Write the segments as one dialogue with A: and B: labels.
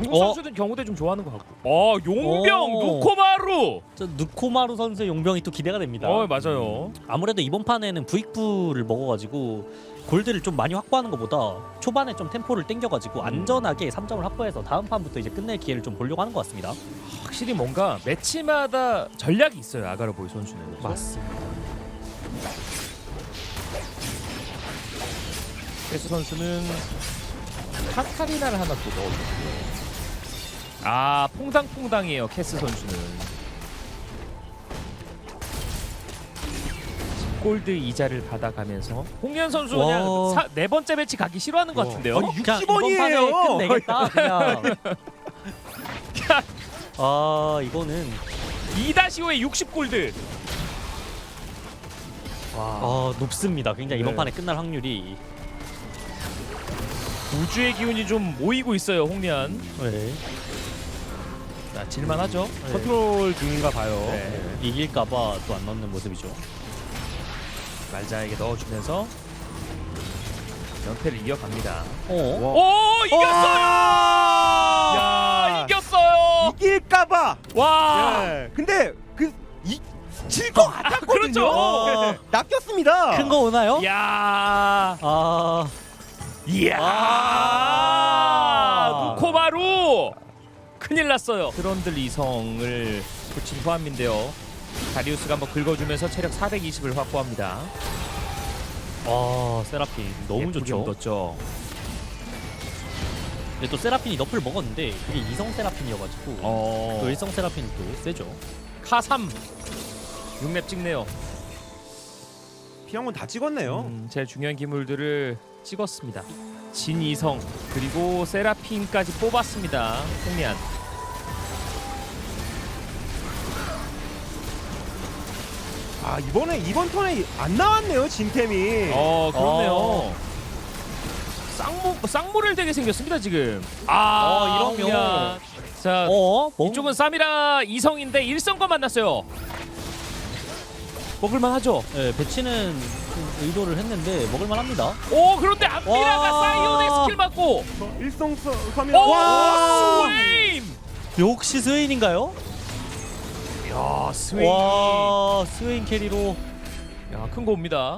A: 중국 선수들 경우대 좀 좋아하는 것 같고. 용병 누코마루.
B: 저 누코마루 선수의 용병이 또 기대가 됩니다.
A: 맞아요.
B: 아무래도 이번 판에는 부익부를 먹어가지고 골드를 좀 많이 확보하는 것보다 초반에 좀 템포를 땡겨가지고 안전하게 3점을 확보해서 다음 판부터 이제 끝낼 기회를 좀 보려고 하는 것 같습니다.
A: 확실히 뭔가 매치마다 전략이 있어요, 아가르보이 선수는. 그렇죠?
B: 맞습니다.
A: 캐스 선수는 카타리나를 하나 또 넣어줬고요. 퐁당퐁당이에요, 캐스 선수는. 골드 이자를 받아가면서 홍련 선수 그냥 네 번째 매치 가기 싫어하는 것 같은데요.
C: 아니,
B: 그냥
C: 60원이에요.
B: 이번 판에 끝내겠다 그냥. 이거는
A: 2-5에 60골드.
B: 높습니다. 굉장히 이번
A: 네.
B: 판에 끝날 확률이.
A: 우주의 기운이 좀 모이고 있어요, 홍련.
B: 네.
A: 자, 질만하죠.
C: 컨트롤 중인가 봐요.
A: 네.
B: 이길까봐 또 안 넣는 모습이죠.
A: 말자에게 넣어주면서 연패를 이어갑니다.
C: 이겼어요!
A: 야, 이겼어요.
C: 이길까봐.
A: 와.
C: 예. 근데 질 것 같았거든요.
A: 그렇죠.
C: 낚였습니다.
B: 큰 거 오나요?
A: 야. 이야. 누코마루. 큰일 났어요. 드런들 이성을 붙인 후암인데요. 다리우스가 한번 긁어주면서 체력 420을 확보합니다.
B: 세라핀 너무 좋죠.
A: 떴죠.
B: 근데 또 세라핀이 너프를 먹었는데 그게 이성 세라핀이어가지고 또 일성 세라핀이 또 세죠.
A: 카3 6렙 찍네요.
C: 필요한 건 다 찍었네요.
A: 제일 중요한 기물들을 찍었습니다. 진이성 그리고 세라핀까지 뽑았습니다. 홍리안.
C: 이번 턴에 안 나왔네요, 진템이.
A: 그렇네요. 쌍모를 되게 생겼습니다 지금.
B: 이러면
A: 홍리안. 자, 이쪽은 사미라 이성인데 일성과 만났어요. 먹을만 하죠?
B: 네, 배치는 좀 의도를 했는데 먹을만 합니다.
A: 그런데 안미라가 사이온의 스킬 맞고.
C: 일성 카메라.
A: 스웨임!
B: 역시 스웨인인가요?
A: 야, 스웨임.
B: 스웨인 캐리로.
A: 야, 큰 거 옵니다.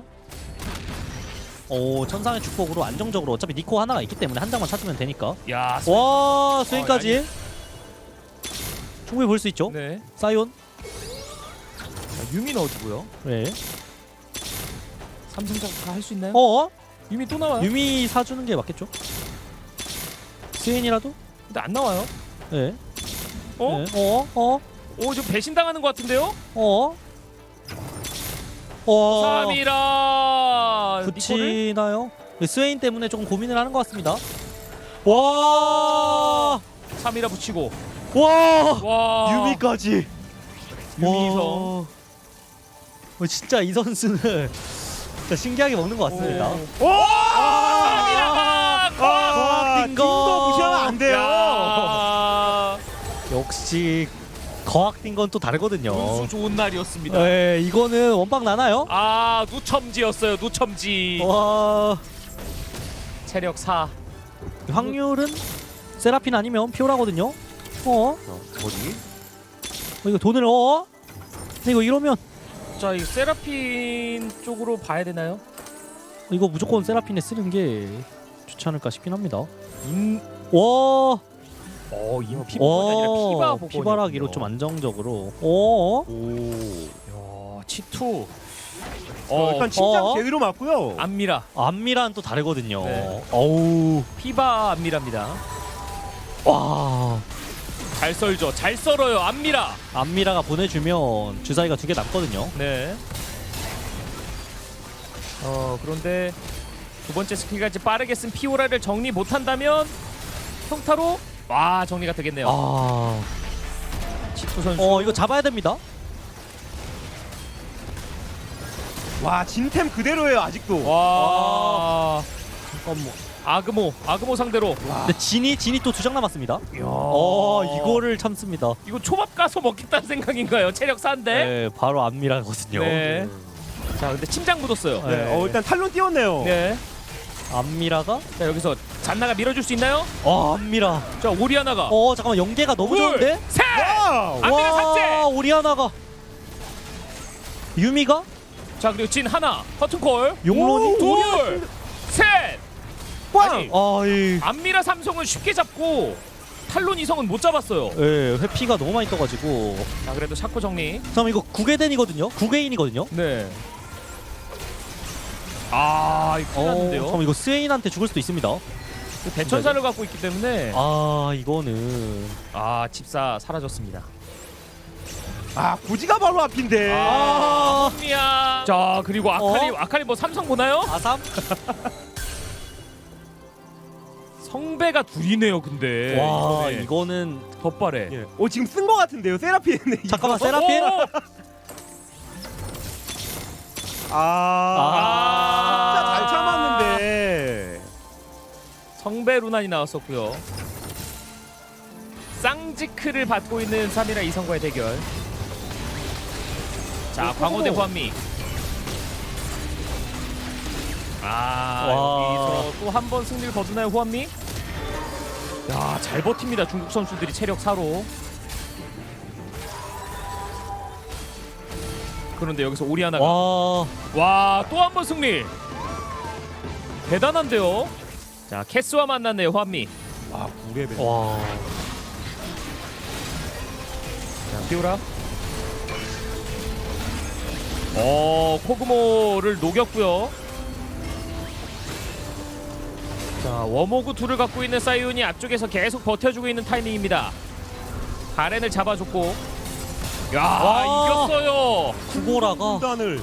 B: 천상의 축복으로 안정적으로 어차피 니코 하나가 있기 때문에 한 장만 찾으면 되니까.
A: 야,
B: 스웨인까지. 충분히 볼 수 있죠.
A: 네.
B: 사이온.
A: 유미 넣어주고요.
B: 네.
A: 삼성작 다 할 수 있나요? 유미 또 나와요?
B: 유미 사주는 게 맞겠죠? 스웨인이라도?
A: 근데 안 나와요.
B: 네.
A: 네. 좀 배신당하는 것 같은데요? 사미라
B: 붙이나요? 스웨인 때문에 조금 고민을 하는 것 같습니다.
A: 사미라 붙이고.
C: 유미까지.
A: 유미성.
B: 진짜 이 선수는 진짜 신기하게 먹는 것 같습니다.
A: 사미라!
C: 딩거 무시하면 안 돼요.
B: 역시 거학된 건 또 다르거든요.
A: 운수 좋은 날이었습니다.
B: 네, 이거는 원빵 나나요?
A: 누첨지였어요. 누첨지. 체력 4.
B: 확률은 세라핀 아니면 피오라거든요.
C: 어디?
B: 이거 돈을 근데 이거 이러면
A: 자, 이 세라핀 쪽으로 봐야 되나요?
B: 이거 무조건 세라핀에 쓰는 게 좋지 않을까 싶긴 합니다.
A: 인피복이 아니라 피바 복원이었군요.
B: 피바라기로 좀 안정적으로.
A: 치투.
C: 일단 침장 제대로 맞고요.
A: 안미라.
B: 안미라는 또 다르거든요.
A: 네. 피바 안미라입니다. 잘 썰죠. 잘 썰어요. 안미라.
B: 안미라가 보내주면 주사위가 2개 남거든요.
A: 네. 그런데 두 번째 스킬까지 빠르게 쓴 피오라를 정리 못한다면 평타로 정리가 되겠네요. 치투 선수.
B: 이거 잡아야 됩니다.
C: 진템 그대로예요, 아직도.
B: 잠깐만.
A: 아그모 상대로.
B: 근데 진이 또 2장 남았습니다. 이거를 참습니다.
A: 이거 초밥 가서 먹겠다는 생각인가요? 체력 4인데.
B: 네, 바로 안미라거든요.
A: 네. 자, 근데 침장 묻었어요.
B: 네.
C: 일단 탈론 띄웠네요.
A: 네.
B: 안미라가
A: 자 여기서 잔나가 밀어줄 수 있나요?
B: 안미라.
A: 자 오리아나가
B: 잠깐만 연계가 너무
A: 둘,
B: 좋은데?
A: 셋!
C: 와우.
A: 안미라 삭제!
B: 오리아나가 유미가
A: 자 그리고 진 하나 커튼콜
B: 용론이
A: 둘! 셋! 아니
B: 아이
A: 안미라 삼성은 쉽게 잡고 탈론 이성은 못 잡았어요.
B: 예, 회피가 너무 많이 떠가지고.
A: 자 그래도 샤코 정리.
B: 잠깐만 이거 9개된이거든요? 9개인이거든요?
A: 네. 아 이거 큰일 났는데요.
B: 잠깐만 이거 스웨인한테 죽을 수도 있습니다.
A: 대천사를 갖고 있기 때문에
B: 이거는
A: 집사 사라졌습니다.
C: 고지가 바로 앞인데.
A: 미야. 자 그리고 아칼리 뭐 삼성 보나요?
B: 아삼?
A: 성배가 둘이네요 근데.
B: 와
A: 이번에.
B: 이거는
A: 덧발에.
C: 예. 지금 쓴 거 같은데요, 세라핀.
B: 잠깐만 세라핀?
C: 진짜 잘 참았는데.
A: 성배 루난이 나왔었고요. 쌍지크를 받고 있는 3이라 이성과의 대결. 자 광호 대 후한미. 여기서 또 한 번 승리를 거두나요 후한미? 야 잘 버팁니다 중국 선수들이 체력 4로. 그런데 여기서 오리아나가 와 또 한 번 승리. 대단한데요. 자 캐스와 만났네요 후한미.
C: 9레벨.
A: 자 피오라. 코그모를 녹였고요. 자 워모그 둘을 갖고 있는 사이온이 앞쪽에서 계속 버텨주고 있는 타이밍입니다. 가렌을 잡아줬고 이겼어요.
B: 구고라가
C: 단을.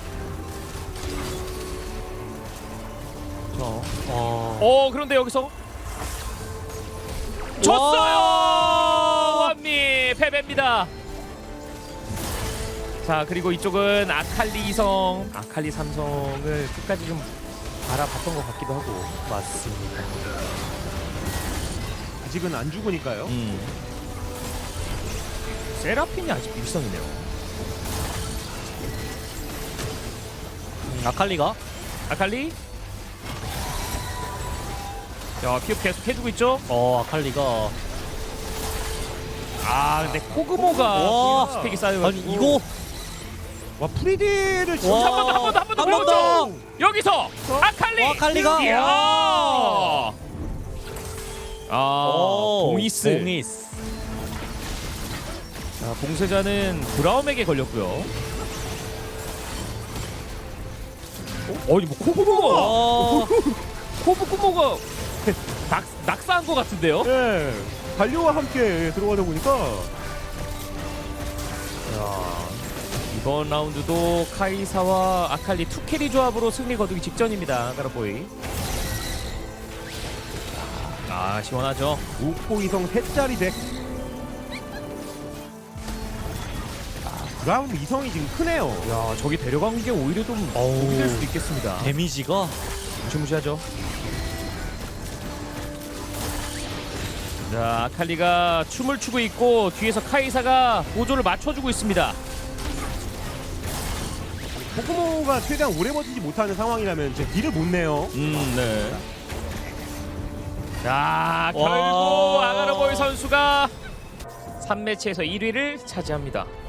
A: 그런데 여기서 졌어요. 완미 패배입니다. 자 그리고 이쪽은 아칼리 이성, 아칼리 삼성을 끝까지 좀 알아봤던 것 같기도 하고.
B: 맞습니다.
C: 아직은 안 죽으니까요.
A: 세라핀이 아직 일성이네요.
B: 아칼리가
A: 아칼리. 자 피업 계속 해주고 있죠.
B: 아칼리가
A: 근데 코그모가 스펙이 쌓여가지고.
B: 아니 이거
C: 와, 프리디를 진짜
A: 한 번 더 보여줘. 여기서 아칼리가. 이야. 봉이스. 자, 봉쇄자는 브라움에게 걸렸고요. 뭐 코그모가 낙사한 것 같은데요?
C: 네. 갈료와 함께 들어가다 보니까
A: 이번 라운드도 카이사와 아칼리 투캐리 조합으로 승리 거두기 직전입니다. 가라보이. 시원하죠.
C: 우코 이성 3짜리 덱. 브라운 이성이 지금 크네요.
A: 야 저기 데려간 게 오히려 좀 도움이 될 수도 있겠습니다.
B: 데미지가
A: 무시무시하죠. 자 아칼리가 춤을 추고 있고 뒤에서 카이사가 보조를 맞춰주고 있습니다.
C: 코코모가 최대한 오래 버티지 못하는 상황이라면 제 딜을 못 내요.
A: 네. 자 결국 아가르보이 선수가 3매치에서 1위를 차지합니다.